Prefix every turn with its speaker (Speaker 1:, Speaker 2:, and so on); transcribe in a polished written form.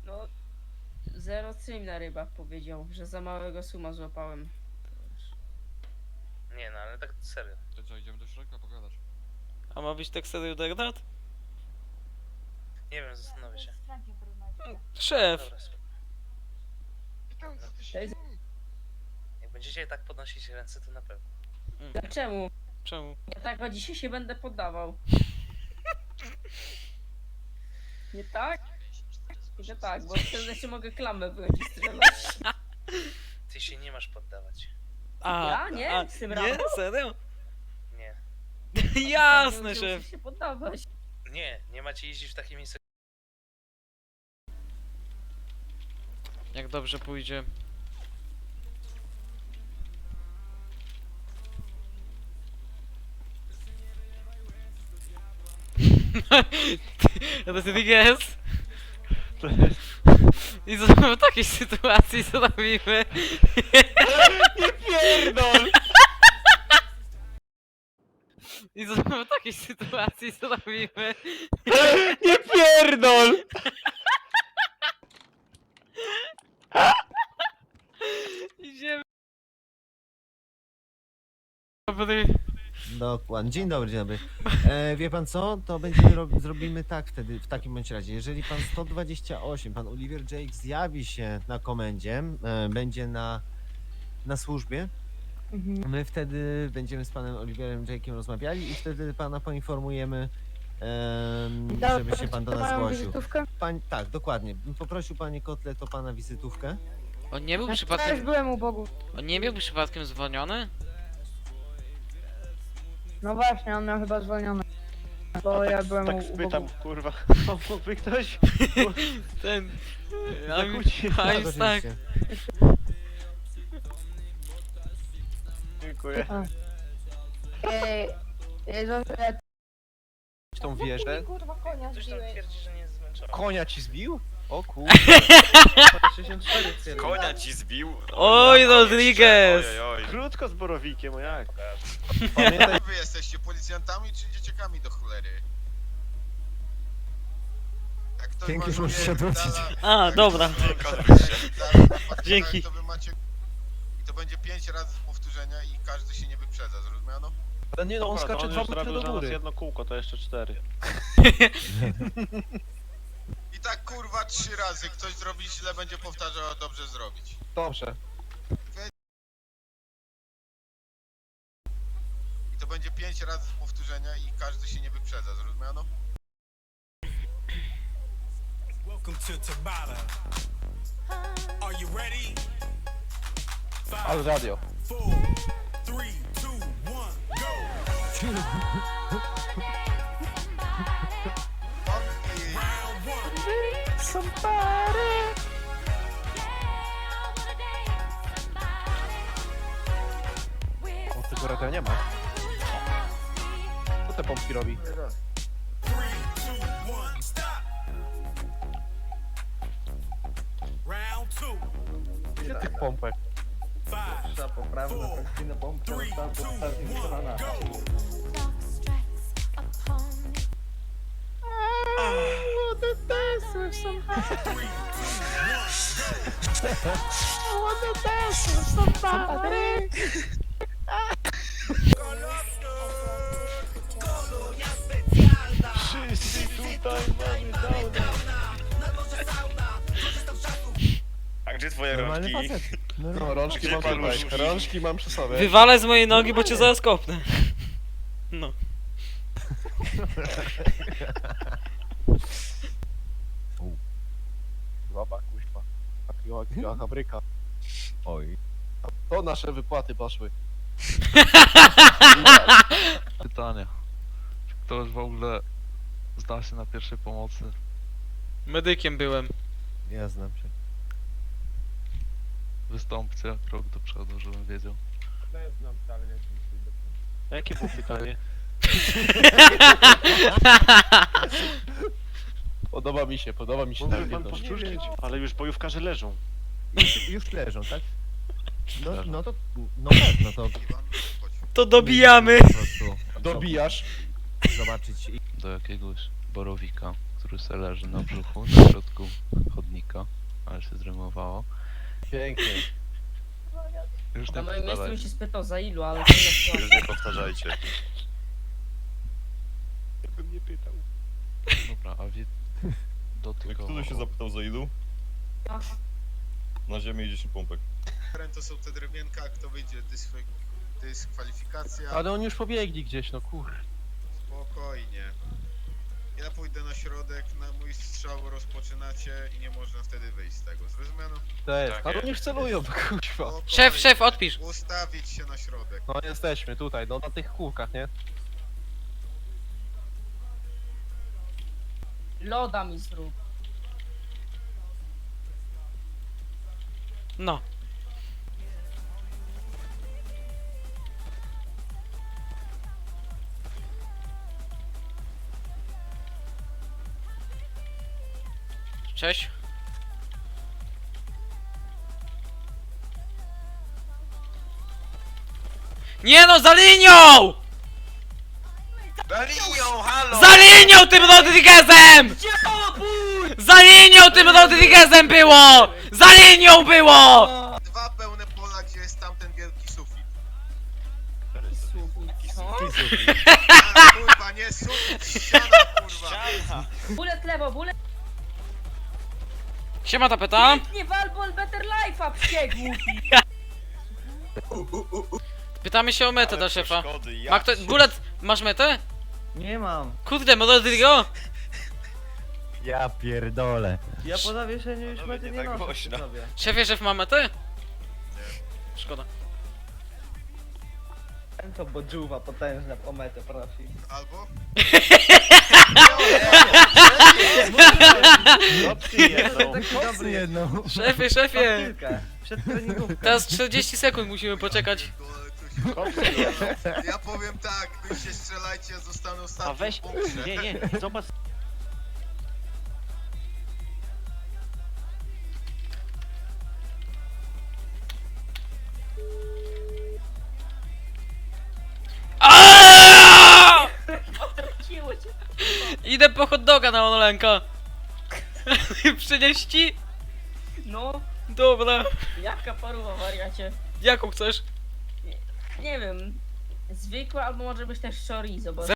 Speaker 1: No, zero stream na rybach powiedział, że za małego suma złapałem.
Speaker 2: Nie no, ale tak serio.
Speaker 3: To co, idziemy do środka pogadać?
Speaker 4: A ma być tak serio Degdat?
Speaker 2: Nie wiem, zastanowię się.
Speaker 4: Szef!
Speaker 2: Dobra, spoko.
Speaker 1: Cześć.
Speaker 2: Jak będziecie tak podnosić ręce, to na pewno.
Speaker 1: Czemu?
Speaker 4: Czemu?
Speaker 1: Ja tak o dzisiaj się będę poddawał. Nie tak? Nie tak, bo wtedy się mogę klamę wyjąć i strzelać.
Speaker 2: Ty się nie masz poddawać.
Speaker 1: Ja? Nie? Z tym
Speaker 4: nie?
Speaker 1: rano?
Speaker 4: Serio?
Speaker 2: Nie.
Speaker 4: Jasne,
Speaker 1: Muszę
Speaker 4: szef!
Speaker 1: się poddawać.
Speaker 2: Nie macie jeździć w takie miejsce.
Speaker 4: Jak dobrze pójdzie. To jest guess. I co w takiej sytuacji co robimy?
Speaker 5: Nie pierdol!
Speaker 4: I co w takiej sytuacji co robimy?
Speaker 5: Nie pierdol!
Speaker 4: Idziemy.
Speaker 6: Dokładnie. Dzień dobry, dzień dobry. Wie pan co? To będziemy zrobimy tak wtedy, w takim bądź razie. Jeżeli pan 128, pan Oliver Jake zjawi się na komendzie, będzie na służbie, my wtedy będziemy z panem Oliverem Jake'iem rozmawiali i wtedy pana poinformujemy, żeby się pan do nas zgłosił. Tak, dokładnie. Poprosił panie Kotlet o pana wizytówkę.
Speaker 4: On nie był
Speaker 7: Też
Speaker 4: przypadkiem...
Speaker 7: byłem u Bogu.
Speaker 4: On nie był przypadkiem zwolniony?
Speaker 7: No właśnie, on miał chyba zwolniony. Bo ja byłem
Speaker 5: Tak
Speaker 7: u
Speaker 5: spytam,
Speaker 7: Bogu.
Speaker 5: kurwa. Mógłby ktoś?
Speaker 4: Ten...
Speaker 5: Zakłóci.
Speaker 6: Tak,
Speaker 4: tak.
Speaker 6: oczywiście.
Speaker 5: Dziękuję.
Speaker 7: Ej,
Speaker 5: Tą wieżę.
Speaker 7: kurwa konia
Speaker 2: Ktoś tam twierdzi, że nie jest zmęczony.
Speaker 5: Konia ci zbił? O kurwa. 64
Speaker 8: Konia ci zbił?
Speaker 4: Oj, Rodriguez!
Speaker 5: Krótko z borowikiem, o jak?
Speaker 8: Pamiętaj, wy jesteście policjantami czy dzieciakami do cholery? Jak ktoś
Speaker 6: Dzięki,
Speaker 8: ma
Speaker 6: że musisz się
Speaker 8: żołnierza,
Speaker 6: odwrócić.
Speaker 4: A, dobra.
Speaker 8: Dzięki.
Speaker 4: Dzięki.
Speaker 8: To wy macie... I to będzie 5 razy powtórzenia i każdy się nie wyprzedza, zrozumiano?
Speaker 5: Ale nie no, on skacze 2 metry do góry. Jedno kółko, to jeszcze 4.
Speaker 8: I tak kurwa 3 razy. Ktoś zrobi źle, będzie powtarzał, a dobrze zrobić.
Speaker 5: Dobrze.
Speaker 8: I to będzie 5 razy powtórzenia i każdy się nie wyprzedza, zrozumiano?
Speaker 9: Welcome to Tabata. Are you ready?
Speaker 5: Ale radio.
Speaker 9: 4, 3, 2, 1, go! Round 1.
Speaker 5: O, tego radia nie ma. Co te pompki robi?
Speaker 9: 3, 2, 1, stop! Round 2.
Speaker 5: Gdzie tych pompek?
Speaker 9: 5, 4, 3, 2, 1, go!
Speaker 5: Wszyscy tutaj mamy downa.
Speaker 8: A gdzie twoje
Speaker 6: Normalny facet.
Speaker 5: No, rączki mam tutaj. Rączki mam przy sobie.
Speaker 4: Wywalaj z mojej nogi, bo cię zaraz kopnę. No.
Speaker 5: Zobacz, kuźwa. Jaka fabryka.
Speaker 6: Oj.
Speaker 5: To nasze wypłaty poszły.
Speaker 3: Pytanie. Czy ktoś w ogóle zda się na pierwszej pomocy?
Speaker 4: Medykiem byłem.
Speaker 6: Ja znam się.
Speaker 3: Wystąpcie krok do przodu, żebym wiedział.
Speaker 5: Jakie było pytanie? Podoba mi się ta umiejętność. Ale już bojówkarze leżą.
Speaker 6: Już leżą, tak? No to, no tak, no to
Speaker 4: To dobijamy!
Speaker 6: po prostu
Speaker 5: Dobijasz.
Speaker 6: zobaczyć.
Speaker 3: Do jakiegoś borowika. który se leży na brzuchu, na środku chodnika, ale się zrymowało.
Speaker 5: Pięknie.
Speaker 3: Już
Speaker 1: Na
Speaker 3: nie
Speaker 1: moim miejscu
Speaker 3: powtarzaj.
Speaker 1: bym się spytał za ilu, ale to jest
Speaker 8: Już nie powtarzajcie.
Speaker 5: Ja bym nie pytał.
Speaker 3: Dobra, a dotykowo.
Speaker 10: Kto się zapytał za ilu? Na ziemię i 10 pompek.
Speaker 8: To są te drewienka, kto wyjdzie, dyskwalifikacja.
Speaker 5: Ale oni już pobiegli gdzieś, no kur...
Speaker 8: Spokojnie. Ja pójdę na środek, na mój strzał rozpoczynacie i nie można wtedy wyjść z tego. Zrozumiano?
Speaker 5: To jest, ale oni już celują, no kuźwa.
Speaker 8: Spokojnie.
Speaker 4: Szef, odpisz.
Speaker 8: Ustawić się na środek.
Speaker 5: No jesteśmy tutaj, no na tych kółkach, nie?
Speaker 1: Loda mi zrób.
Speaker 4: No. Cześć. Nie no, za linią!
Speaker 8: Za linią, halo!
Speaker 4: Za linią tym Rodriguezem! Za linią tym Rodriguezem było! Za linią było!
Speaker 8: Dwa pełne pola, gdzie jest tamten wielki sufit.
Speaker 1: Co?
Speaker 8: A, kurwa, nie sufit, ściana, kurwa.
Speaker 1: Bullet lewo, bullet
Speaker 4: Siema tapeta.
Speaker 1: nie walbol better life'a, psie głupi.
Speaker 4: Pytamy się o metę dla szefa.
Speaker 10: Szkody, ja.
Speaker 4: Ma kto... Bullet, masz metę?
Speaker 9: Nie mam.
Speaker 4: Kurde, Rodrigo!
Speaker 6: Ja pierdolę.
Speaker 9: Ja po zawieszeniu już
Speaker 10: Panowie,
Speaker 9: mety
Speaker 10: nie
Speaker 9: nie
Speaker 10: tak
Speaker 9: noszę
Speaker 10: głośno.
Speaker 9: przy sobie.
Speaker 4: Szefie, szef ma metę? Szkoda.
Speaker 9: To bodżuwa potężna o metę prosi.
Speaker 8: Albo?
Speaker 5: Opcje jedzą.
Speaker 9: Taki dobry jest.
Speaker 6: jedną.
Speaker 4: Szefie, szefie!
Speaker 9: Kilka. Przed treningówką.
Speaker 4: Teraz 40 sekund musimy poczekać.
Speaker 8: Ja powiem tak, wy się strzelajcie, ja zostanę ostatni
Speaker 5: A weź,
Speaker 8: w bunkrze.
Speaker 5: nie, zobacz.
Speaker 4: Aaaa!
Speaker 1: Ciło cię.
Speaker 4: Idę po hot doga na Onolenka. Przynieść ci?
Speaker 1: No,
Speaker 4: Dobra.
Speaker 1: jaka paruwa wariacie.
Speaker 4: Jaką chcesz?
Speaker 1: Nie wiem. Zwykłe albo może być też chorizo, bo...